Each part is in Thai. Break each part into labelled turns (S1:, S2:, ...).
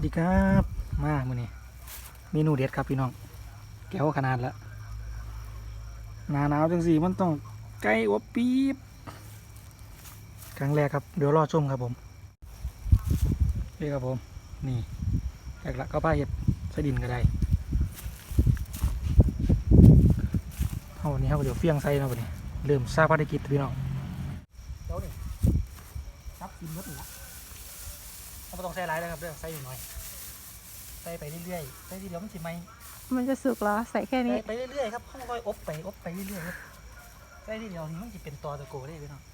S1: ดีครับมามื้อนี้เมนูเด็ดครับพี่น้องแก้วขนาดละหน้าหนาวจังสี่มันต้องไก่อบปี๊บครั้งแรกครับเดี๋ยวรอชมครับผมนี่ครับผมนี่แรกละก็ป้าเห็ดใส่ดินก็ได้เอาวันนี้ครับเดี๋ยวเฟี้ยงใส่นะวันนี้เริ่มซาภารกิจพี่น้องเดี๋ยวนี่ซับกินรสนี่ละเราไม่ต้องใส่หลายเลยครับเรื่องใส่หน่อยใส่ไปเรื่อยๆใส่ทีเดียวมันสิไหม
S2: มันจะสุกเหรอใส่แค่นี้
S1: ไปเรื่อยๆครับค่อยๆอบไปเรื่อยๆครับใส่ทีเดียวนี่มันจะเป็นตอตะโกได้พี่น้อง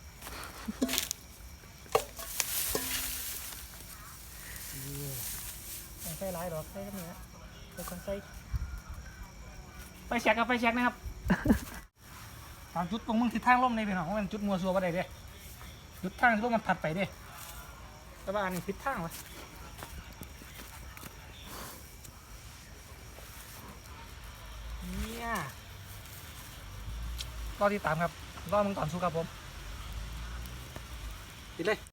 S1: ใส่หลายหรอกใส่ก็มีนะใส่คนใส่ไฟแช็กครับไฟแช็กนะครับตามจุดตรงมึงทิศทางลมในพี่น้องเพราะมันจุดมัวซัวบ่ได้เด้จุดทางที่ลมมันผัดไปเด้แต่ว่าอันนี้ทิศทางวะเนี่ยรอที่ตามครับรอมึงก่อนสู้ครับผมติดเลย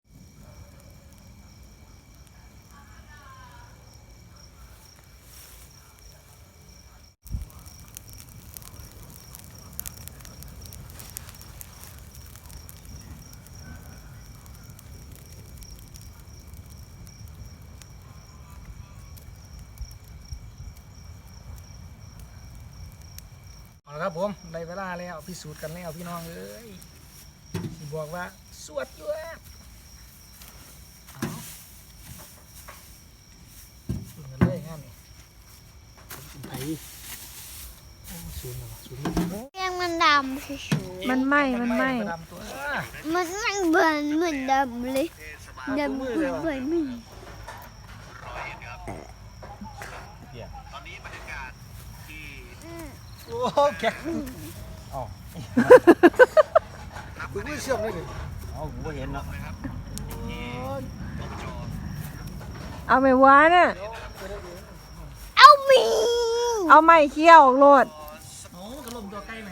S1: เอาละครับผมได้เวลาแล้วพิสูจน์กันแล้วพี่น้องเอ้ยสิบอกว่าสวดอยู่เอาสูนกันเลยงานนี่เป็นไผ่สูนเหรอสูน
S3: เรียงมันดำชิว
S2: มันไหม้มันไหม้
S1: ดำตัว
S3: ๆมันไม่เบิร์นเหมือนดำเลยดำเหมือนเบิร์นไม่
S1: โอ้แกอ๋อคุณไม่เชื่อมเลยดิอ๋อผมก็เห็นเนาะ
S2: เอาไม่ว้าเนี่ย
S3: เอามี
S2: เอาไม้เคี่ยวโลด
S1: โอ้กระลมตัวใกล้ไหม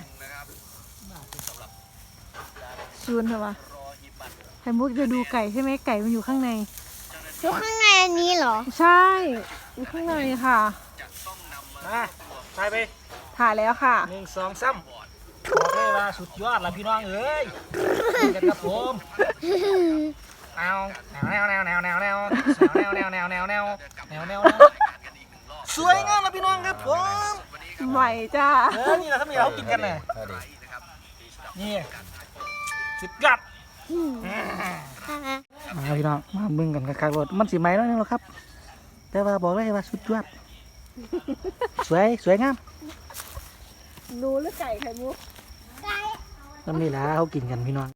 S2: ซูนเถอะวะไข่มุกจะดูไก่ใช่ไหมไก่มันอยู่ข้างใน
S3: อยู่ข้างในอันนี้เหรอ
S2: ใช่อยู่ข้างในค่ะ
S1: มาไปไป
S2: ถ่ายแล้วค่ะ
S1: 1 2 3บอกเลยว่าสุดยอดละพี่น้องเอ้ยกันครับผมเอาแนวสวยงามนะพี่น้องครับผม
S2: ใหม่จ้า
S1: นี่แหละถ้ามีเรากินกันเลยนี่สุดยอดมาพี่น้องมาเบิ่งกันคักๆรถมันสีไหมแล้วนี่หรอครับแต่ว่าบอกเลยว่าสุดยอดสวยงาม
S2: ดูหรือไก่ไข่มุก
S1: ตอนนี้ละเขากินกันพี่น้อง